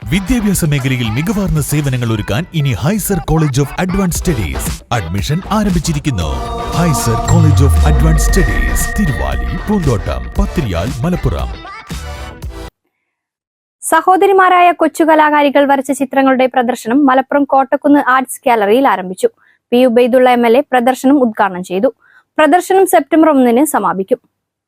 വിദ്യാഭ്യാസ മേഖലയിൽ മികവാർന്ന സേവനങ്ങൾ ഒരുക്കാൻ ഇനി Hyser college of advance studies admission ആരംഭിച്ചിരിക്കുന്നു. Hyser college of advance studies Thiruvali, Poonthottam, Pathiriyal, Malappuram. സഹോദരിമാരായ കൊച്ചു കലാകാരികൾ വരച്ച ചിത്രങ്ങളുടെ പ്രദർശനം മലപ്പുറം കോട്ടക്കുന്ന് ആർട്സ് ഗാലറിയിൽ ആരംഭിച്ചു. പി ഉബൈദുള്ള MLA പ്രദർശനം ഉദ്ഘാടനം ചെയ്തു. പ്രദർശനം സെപ്റ്റംബർ 1 സമാപിക്കും.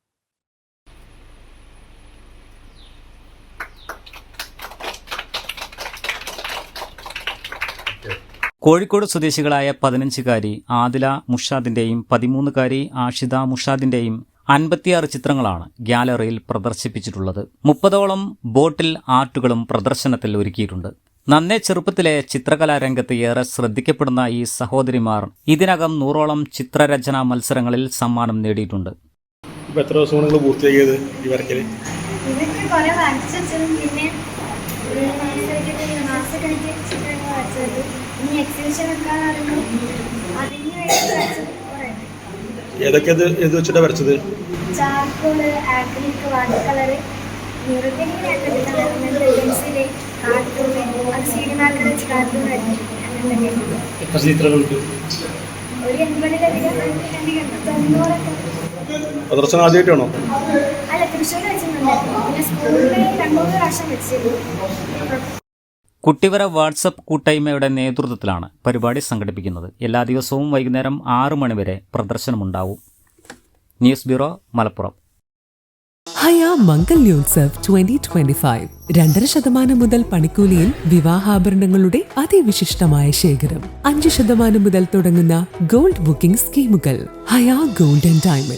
കോഴിക്കോട് സ്വദേശികളായ 15-കാരി ആദില മുഷാദിന്റെയും 13-കാരി ആഷിദ മുഷാദിന്റെയും 56 ചിത്രങ്ങളാണ് ഗ്യാലറിയിൽ പ്രദർശിപ്പിച്ചിട്ടുള്ളത്. 30ഓളം ബോട്ടിൽ ആർട്ടുകളും പ്രദർശനത്തിൽ ഒരുക്കിയിട്ടുണ്ട്. നന്നേ ചെറുപ്പത്തിലെ ചിത്രകലാരംഗത്ത് ഏറെ ശ്രദ്ധിക്കപ്പെടുന്ന ഈ സഹോദരിമാർ ഇതിനകം 100ഓളം ചിത്രരചനാ മത്സരങ്ങളിൽ സമ്മാനം നേടിയിട്ടുണ്ട്. എത്ര ദിവസം നിങ്ങൾ പൂർത്തിയാക്കിയത് ഈ വരക്കല്? ഏതൊക്കെ ഇത് വെച്ചിട്ടാ വരച്ചത്? ചാർക്കോള്, ആക്രിലിക്, വാട്ടർ കളർ, എത്ര ചിത്രങ്ങൾക്ക്? ഒരു 80-ലധികം, 90 പ്രദർശനം ആദ്യമായിട്ടാണോ? അല്ല, തൃശ്ശൂർ വെച്ചിട്ടുണ്ട്. പിന്നെ സ്കൂളിൽ 2-3 പ്രാവശ്യം വെച്ചിരുന്നു. കുട്ടിവര വാട്സപ്പ് കൂട്ടായ്മയുടെ നേതൃത്വത്തിലാണ് പരിപാടി സംഘടിപ്പിക്കുന്നത്. എല്ലാ ദിവസവും വൈകുന്നേരം 6 മണി വരെ പ്രദർശനമുണ്ടാവും. News bureau, Malappuram. ഹയ മംഗല്യോത്സവ് 2025 2.5% മുതൽ പണിക്കൂലിയിൽ വിവാഹാഭരണങ്ങളുടെ അതിവിശിഷ്ടമായ ശേഖരം. 5% മുതൽ തുടങ്ങുന്ന ഗോൾഡ് ബുക്കിംഗ് സ്കീമുകൾ. Haya gold and diamond.